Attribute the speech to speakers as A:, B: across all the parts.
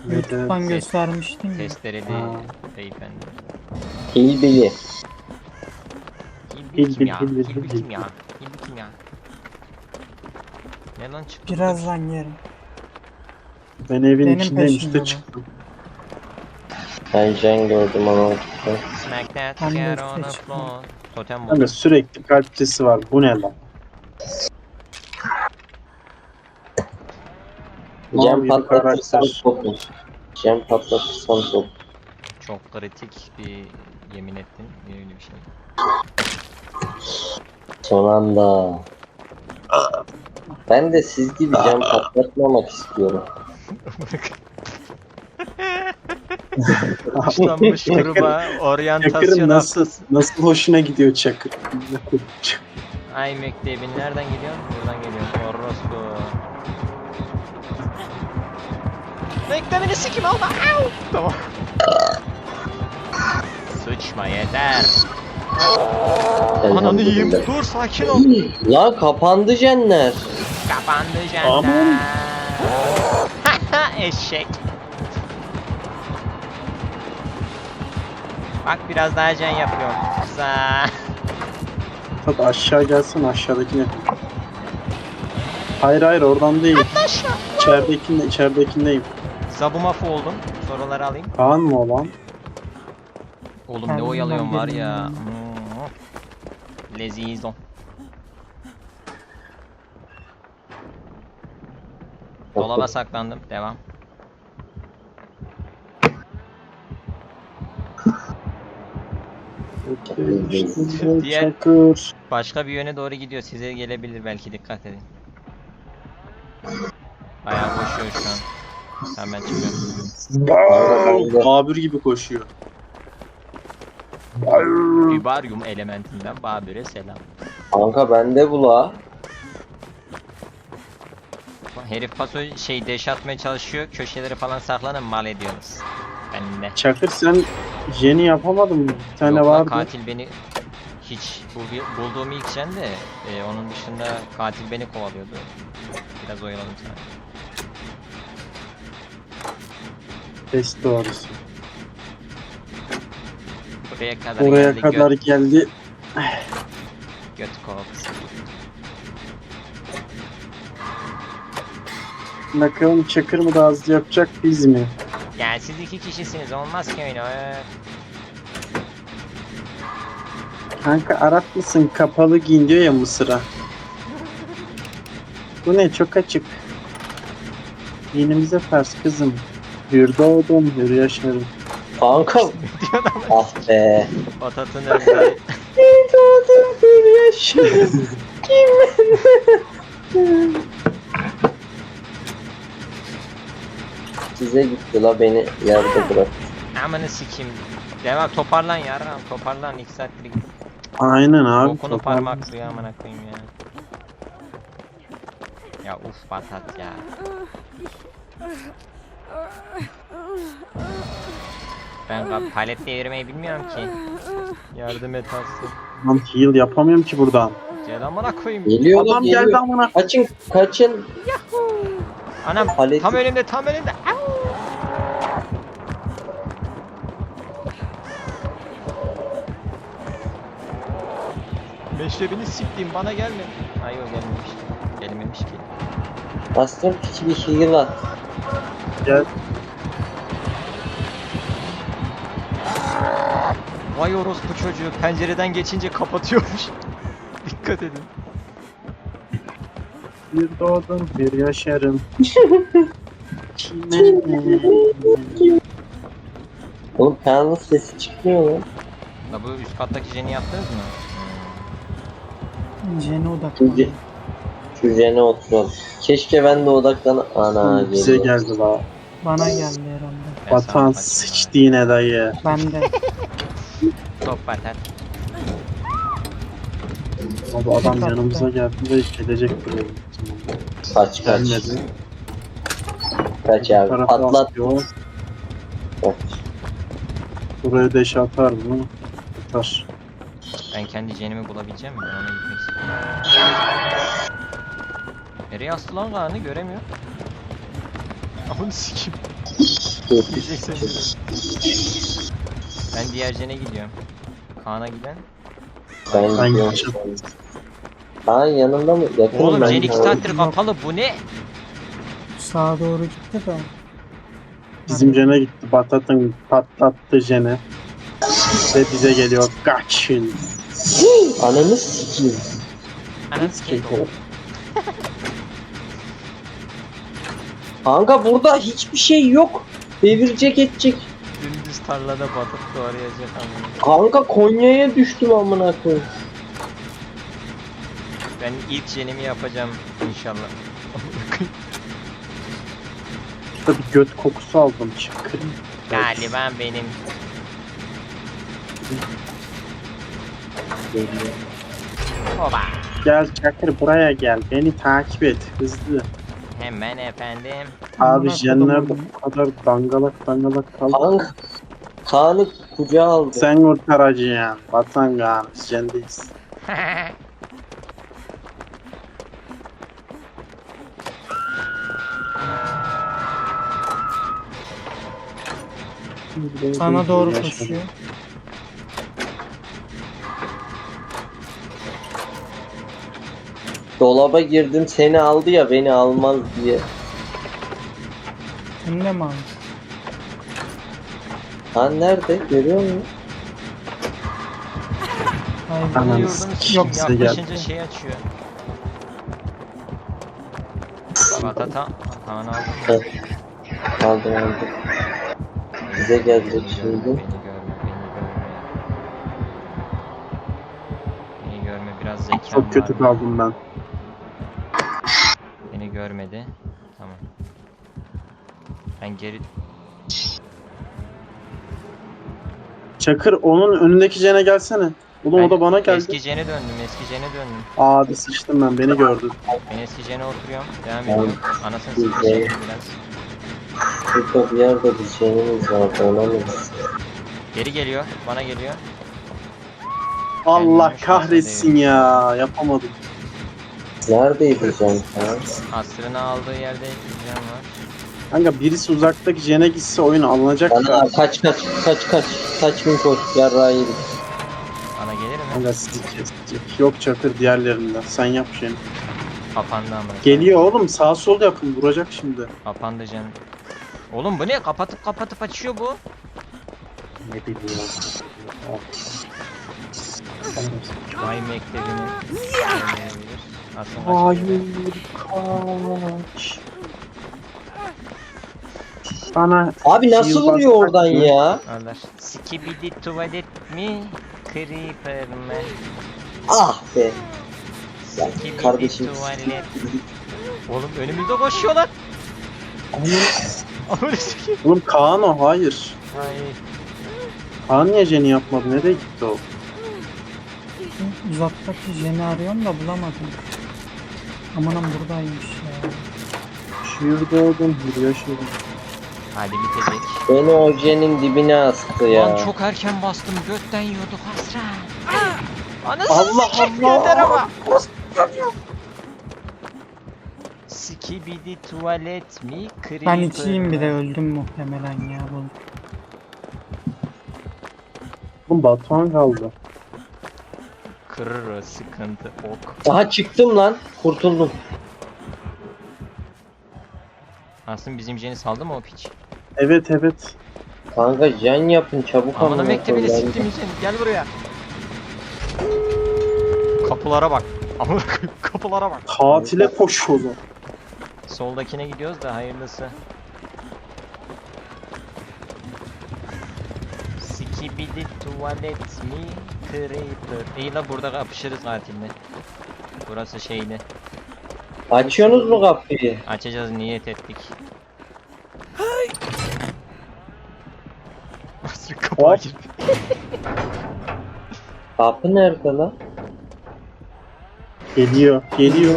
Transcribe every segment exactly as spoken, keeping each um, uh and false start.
A: YouTube'dan
B: Evet.
A: göstermiştim ya.
C: Testereli
B: Ha.
C: beyefendi.
D: Hilbili.
C: Hilbil kim
B: Hilbil,
C: ya?
B: hilbil,
C: Hilbil
B: hilbil.
C: kim ya? Hilbil kim ya? Ne lan çıktı?
A: Birazdan yerim.
B: Ben evin
A: Benim
B: içindeyim
A: peşimde
B: işte
A: bu.
B: çıktım.
D: Ben Jen gördüm ama.
C: Smack that
A: Ben de
C: cat
A: üste
C: on the
A: çıktım.
C: floor. Totem
B: Hani
C: buldum.
B: sürekli kalpçesi var. Bu ne lan? Mal
D: Jen
B: gibi
D: patlatırsan
B: karakter.
D: topun. Jen patlatırsan top.
C: Çok kritik bir yemin ettin. Öyle bir şey.
D: Son anda. Ben de siz gibi Jen patlatmamak istiyorum.
C: Kuşlanmış gruba
B: Çakır'ın
C: oryantasyon
B: nasıl,
C: haftası.
B: nasıl hoşuna gidiyor Çakır?
C: Ay mektebin nereden geliyor? Buradan geliyor. Orospu. Mektebini sikim olma. Au! Tamam. Sıçma yeter. Ananı yiyeyim. Dur sakin ol.
D: La kapandı Jenler.
C: Kapandı
B: Aman.
C: cennet. Eşek. Bak biraz daha can yapıyorum. Güzel.
B: Hadi aşağı gelsin aşağıdakine. Hayır hayır oradan değil. İçeridekinde, içeridekindeyim.
C: Zabumafı oldum. Soruları alayım.
B: Kaan mı olan?
C: Oğlum ne
A: Kendimden
C: oyalıyorum var ya.
A: bilmiyorum.
C: Hmm. Lezizo. Dolaba saklandım. Devam. Diğer-
B: Çakır.
C: Başka bir yöne doğru gidiyor. Size gelebilir belki, dikkat edin. Bayağı koşuyor şu an. Tamam ben çıkıyorum.
B: Babür gibi koşuyor.
C: Vibarium elementinden Babür'e selam.
D: Kanka bende bu la.
C: Herif paso şey deş atmaya çalışıyor. Köşeleri falan saklanın mal ediyorsunuz. Ben de.
B: Çakır sen Jen'i yapamadın mı? Bir tane
C: Yok lan,
B: vardı.
C: katil beni hiç buldu- bulduğum ilk Jen de e, onun dışında katil beni kovalıyordu. Biraz oyaladım sana.
B: Test doğrusu.
C: Buraya kadar
B: Oraya
C: geldi.
B: kadar
C: Göt,
B: geldi.
C: göt kovası.
B: Bakalım Çakır mı daha hızlı yapacak biz mi?
C: Yani siz iki kişisiniz, olmaz ki öyle. Öf.
B: Kanka Arap mısın? Kapalı giyin diyor ya Mısır'a. Bu ne? Çok açık. Dinimize ters kızım. Hür doğdum, hür yaşarım.
D: Kanka. Ah be.
C: Patatın öldü.
D: Hür yaşarım. Size gitti la, beni yerde bırak.
C: Amanı sikeyim. Devam, toparlan yarram, toparlan, iki saattir git.
B: Aynen abi.
C: Bokunu
B: toparlan.
C: parmaklıyor amına koyayım ya. Ya uf patat ya. Ben ka- paletle yürümeyi bilmiyorum ki. Yardım et Aslı.
B: Lan heal yapamıyorum ki buradan.
C: Gel amına koyayım.
D: Geliyor la,
B: Adam
D: geliyor.
B: geldi amına.
D: Kaçın, kaçın.
C: Anam
D: Paleti-
C: tam önümde, tam önümde. Au! Meşrebini siktiğim, bana gelme. Ay o gelmemiş. Gelmemiş ki.
D: Bastım piçi bir heal at.
B: Gel.
C: Vay orospu çocuğu, pencereden geçince kapatıyormuş. Dikkat edin.
B: Bir doğdum, bir yaşarım. Kime?
D: Oğlum kanalın sesi çıkmıyor lan.
C: La bu üst kattaki jeni yaptınız mı?
A: Jen'e
D: Şu,
A: odaklan.
D: ce- şu jene oturalım. Keşke ben de odaklan... Ana
B: Bize
D: geliyor.
B: geldi la.
A: Bana geldi herhalde.
C: Ben
B: Vatan
C: sana
B: sıçtı yine dayı.
A: Ben de.
C: Top patat.
B: Abi adam
A: Çok
B: yanımıza
A: tatlı.
B: geldi ve gelecek buraya.
D: Kaç kaç.
B: Gelmedi.
D: Kaç abi.
B: Tarafa
D: Patlat.
B: atıyor.
D: Kaç.
B: Buraya deş atar mı? Atar.
C: Ben kendi jenimi bulabileceğim mi? Ben ona gitmek istiyorum. Nereye astı lan Kaan'ı, göremiyor. Ahını sikim. Yiyeceksin dedi. Ben diğer jene gidiyorum. Kaan'a giden.
D: Ben
B: Ben
D: gidiyorum.
B: gideceğim.
D: Aa yanında mı? Yakın
C: Oğlum
D: ben
C: jen iki
D: gidiyorum.
C: saattir kapalı, bu ne?
A: Sağa doğru gitti de.
B: Bizim jene gitti. Batatın patlattı jene. Ve bize geliyor. Kaçın.
D: Ananı sikeyim.
C: Anam sikeyim.
D: Kanka burada hiçbir şey yok. Devirecek edecek.
C: Dümdüz tarlada batıp doğrayacak ama.
D: Kanka Konya'ya düştüm amına koyayım.
C: Ben ilk jenimi yapacağım inşallah.
B: Burada bir göt kokusu aldım. Çakır.
C: Galiba benim. Oba.
B: Gel Çakır buraya gel. Beni takip et. Hızlı.
C: Hemen efendim.
B: Abi
A: Amına
B: jenler de
A: kodumun.
B: bu kadar dangalak dangalak kaldı.
D: Kanka. Kaan'ı kucağa aldı.
B: Sen kurtaracaksın. Vatan Kaan. Jendeyiz.
A: Sana doğru koşuyor.
D: Dolaba girdim seni aldı ya beni almaz diye.
A: Sen de mi aldın?
D: Han nerede? Görüyor musun?
A: Hayır.
B: Anam.
C: Bunu
B: Ananı
C: yordum
B: sikeyim,
C: kim
B: size
C: yaklaşınca
B: geldi.
C: şey açıyor. Batata. Kaan aldı mı?
D: Aldım aldım. Bize gelecek
C: Beni
D: şimdi.
C: görme, beni görme, beni görme. Beni görme, biraz zekam
B: Çok kötü
C: var.
B: kaldım ben.
C: Beni görmedi. Tamam. Ben geri...
B: Çakır onun önündeki jene gelsene. Oğlum
C: Ben
B: o da bana geldi.
C: Eski jene döndüm, eski jene döndüm.
B: Abi sıçtım ben. Beni gördü.
C: Ben eski jene oturuyorum, devam
D: Ben-
C: ediyorum. Anasını
D: Güzel.
C: sikeceğim biraz.
D: Burada bir yerde bir şeyimiz vardı ona mı gitsin?
C: Geri geliyor, bana geliyor.
B: Allah
C: Kendimi
B: kahretsin ya. Yapamadım.
D: Neredeydi Can Kaan?
C: Asrını aldığı yerde jen var.
B: Kanka birisi uzaktaki jene gitse oyun alınacak
D: Bana
B: da.
D: kaç kaç kaç kaç kaç bin koş yarrağı yedik.
C: Bana gelir mi?
B: Kanka sizi kesecek. Yok Çakır diğerlerinden. Sen yap jeni.
C: Kapandı ama.
B: Geliyor oğlum sağ sol yapın. Vuracak şimdi.
C: Kapandı jen. Oğlum bu ne? Kapatıp kapatıp açıyor bu.
B: Ne bileyim.
C: Vay mektebini. Görmeyebilir. Aslında
B: Hayır kaç. Bana
D: Abi nasıl
B: Yıl
D: vuruyor
B: basmak
D: oradan
B: mı?
D: ya?
C: Alır. Skibidi tuvalet mi? Creeper mı?
D: Ah be. Ya
C: Skibidi
D: kardeşim.
C: tuvalet. Oğlum önümüzde koşuyorlar. Amına sikeyim.
B: Oğlum Kaan o hayır.
C: Ay.
B: Kaan niye jeni yapmadı? Nereye gitti o?
A: Uzaktaki jeni arıyorum da bulamadım. Amanım buradaymış ya.
B: Şurada oldum. Yürüyor şurada.
C: Hadi bitecek.
D: Beni ojenin dibine astı ya.
C: Lan çok erken bastım. Götten yiyorduk Hasra. Anasını
B: Allah
C: sikeyim
B: Allah.
C: yeter ama. Skibidi tuvalet mi? Creeper
A: Ben içeyim bir
C: mı?
A: de öldüm muhtemelen ya. Bu.
B: Oğlum Batuhan kaldı.
C: Kırır o sıkıntı ok.
D: Aha çıktım lan. Kurtuldum.
C: Aslında bizim jeni saldı mı o piç?
B: Evet evet.
D: Kanka can yapın çabuk
C: Amına
D: amına
C: mektebini
D: koyayım.
C: siktim jeni. Gel buraya. Kapılara bak. Amına koyayım, kapılara bak.
B: Katile koşuyorlar.
C: Soldakine gidiyoruz da hayırlısı. Skibidi tuvalet mi? Creeper. İyi la burada kapışırız katille. Burası şeydi.
D: Açıyorsunuz mu kapıyı?
C: Açacağız niyet ettik. Nasıl kapağa
B: Hop.
C: girdi?
D: Kapı nerede lan?
B: Geliyor. Geliyor.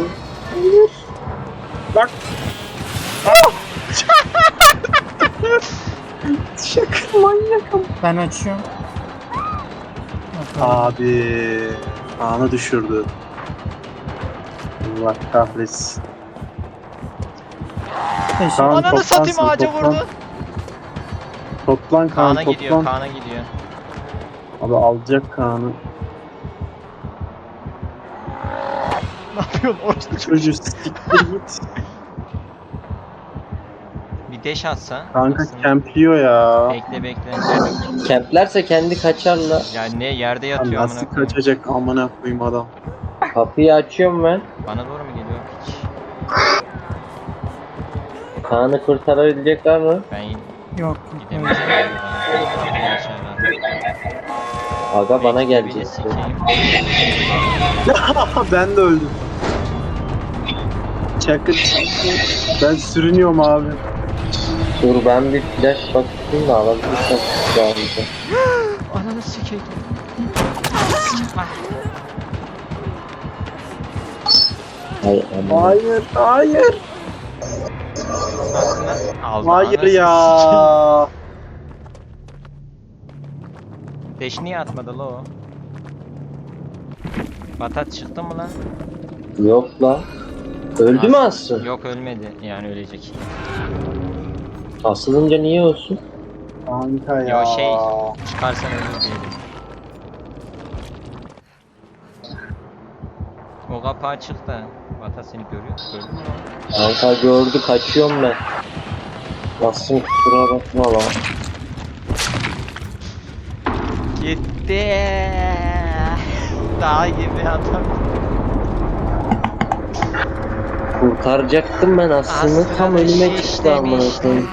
B: Bak. Şaka manyakım.
A: Ben açıyorum. Bakalım.
B: Abi. Kaan'ı düşürdü. Allah kahretsin.
A: Teşekkür-
B: Kaan
C: Ananı satayım
B: toplansın,
C: ağaca
B: toplan.
C: vurdu.
B: Toplan Kaan,
C: Kaan'a gidiyor,
B: toplan.
C: Kaan'a gidiyor.
B: Abi alacak Kaan'ı.
C: Ne yapıyorsun orada?
B: Çocuğu siktir git.
C: Bir deş atsa.
B: Kanka
C: aslında.
B: kempliyor ya.
C: Bekle bekle.
D: Kemplerse kendi kaçarlar.
C: Ya ne yerde
B: Lan
C: yatıyor amına
B: Nasıl
C: koyayım.
B: kaçacak amına koyayım adam.
D: Kapıyı açıyorum ben.
C: Bana doğru mu geliyor? Hiç.
D: Kaan'ı kurtarabilecekler mi?
C: Ben
A: Yok.
C: gidemeyeceğim. Kapıyı açarlar.
D: Aga bana
C: Bekle,
D: gelecek.
C: bir de sikeyim.
B: Ben de öldüm. Çakır. Ben sürünüyorum abi.
D: Dur ben bir flash bakayım da alabilirsem silahımızı.
C: Ananı sikeyim. Ah.
D: Hay aman.
B: Hayır, hayır.
C: Aslında aldı.
B: Hayır
C: Anasını
B: ya.
C: sikeyim. Deş niye atmadı la o? Batat çıktı mı lan?
D: Yok lan. Öldü mü Aslı?
C: Yok ölmedi. Yani ölecek.
D: Asılınca niye olsun?
B: Kanka ya.
C: Ya şey çıkarsan ölür diyelim. O kapı açık da Batat seni görüyor. Gördün mü?
D: Kanka gördü kaçıyorum ben. Asım kusura bakma lan.
C: Gitti. Dağ gibi adam.
D: Kurtaracaktım ben Aslı'nı
C: Aslı
D: tam önüme
C: şiş
D: çıktı amına
C: demiş.
D: koyayım.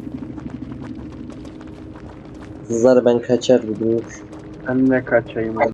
D: Kızlar ben kaçar bugünlük.
B: Ben de kaçayım.